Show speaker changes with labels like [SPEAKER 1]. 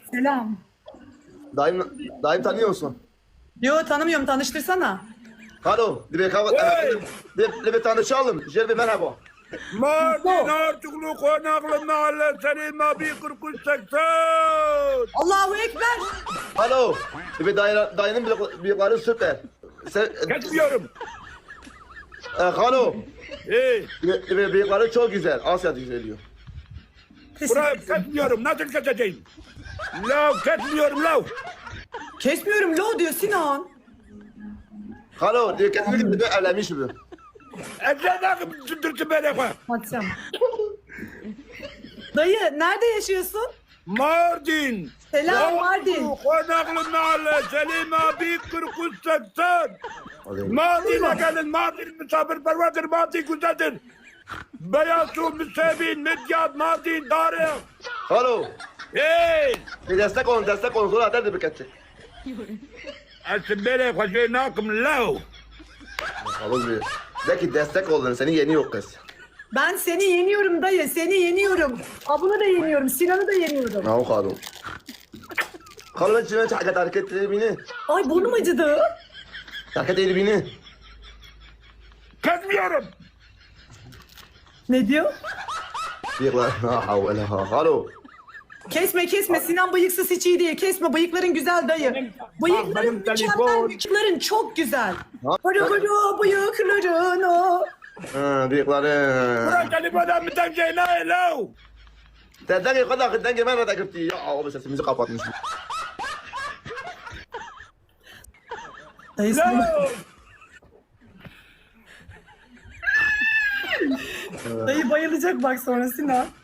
[SPEAKER 1] Selam.
[SPEAKER 2] Dayım tanıyor musun?
[SPEAKER 1] Yo tanımıyorum, tanıştırsana.
[SPEAKER 2] Alo, bir tanışalım. Jelbi merhaba.
[SPEAKER 3] Mardin Artuklu Konaklı Mahallesi'nin Mabi 4380.
[SPEAKER 1] Allahu Ekber.
[SPEAKER 2] Alo, dayının bıyıkları süper.
[SPEAKER 3] Kesmiyorum.
[SPEAKER 2] Alo,
[SPEAKER 3] Hey,
[SPEAKER 2] bıyıkları çok güzel. Asya geliyor.
[SPEAKER 3] burayı kesmiyorum. Nasıl keseceğim? Lav kesmiyorum lav.
[SPEAKER 1] Kesmiyorum lo diyor Sinan.
[SPEAKER 2] Alo, kesinlikle evlenmiş bu.
[SPEAKER 3] Eczadan sürdürsün beni koy.
[SPEAKER 1] Atacağım. Dayı nerede yaşıyorsun?
[SPEAKER 3] Mardin.
[SPEAKER 1] Selam, Mardin.
[SPEAKER 3] Konaklı Mahallesi'nin Mabi 4380. Mardin'e gelin. Mardin misafirperverdir. Mardin güzeldir. Beyaz su, Müsebin, Midyat, Mardin, Tarih.
[SPEAKER 2] Alo,
[SPEAKER 3] Hey!
[SPEAKER 2] bir destek olun. Sonra atar bir kaçacak.
[SPEAKER 3] Asibere koşuynakım lav.
[SPEAKER 2] Alo, de ki destek olun. Seni yeniyor kız.
[SPEAKER 1] Ben seni yeniyorum dayı, seni yeniyorum. Abunu da yeniyorum, Sinan'ı da yeniyorum.
[SPEAKER 2] Ne o kadar? Alo, ben şimdi hareket edibini.
[SPEAKER 1] Ay burnum acıdı.
[SPEAKER 2] Hareket edibini.
[SPEAKER 3] Kesmiyorum.
[SPEAKER 1] Ne diyor?
[SPEAKER 2] Bıyıklar. Ha havle ha. Alo.
[SPEAKER 1] Kesme, Sinan bıyıksız hiç iyi değil. Kesme, bıyıkların güzel dayı. Bıyıkların
[SPEAKER 3] benim
[SPEAKER 1] mükemmel,
[SPEAKER 3] telefon.
[SPEAKER 1] bıyıkların çok güzel.
[SPEAKER 2] Ha?
[SPEAKER 1] Hırı bıyıkların o.
[SPEAKER 2] Ha, bıyıkları.
[SPEAKER 3] Bırak telefonu bir tek şey ne lav.
[SPEAKER 2] Dedden kadar ben de gitti. Ya abi sesimizi kapatmış.
[SPEAKER 1] Dayı sen...
[SPEAKER 3] Lav.
[SPEAKER 1] Dayı bayılacak bak sonra Sinan.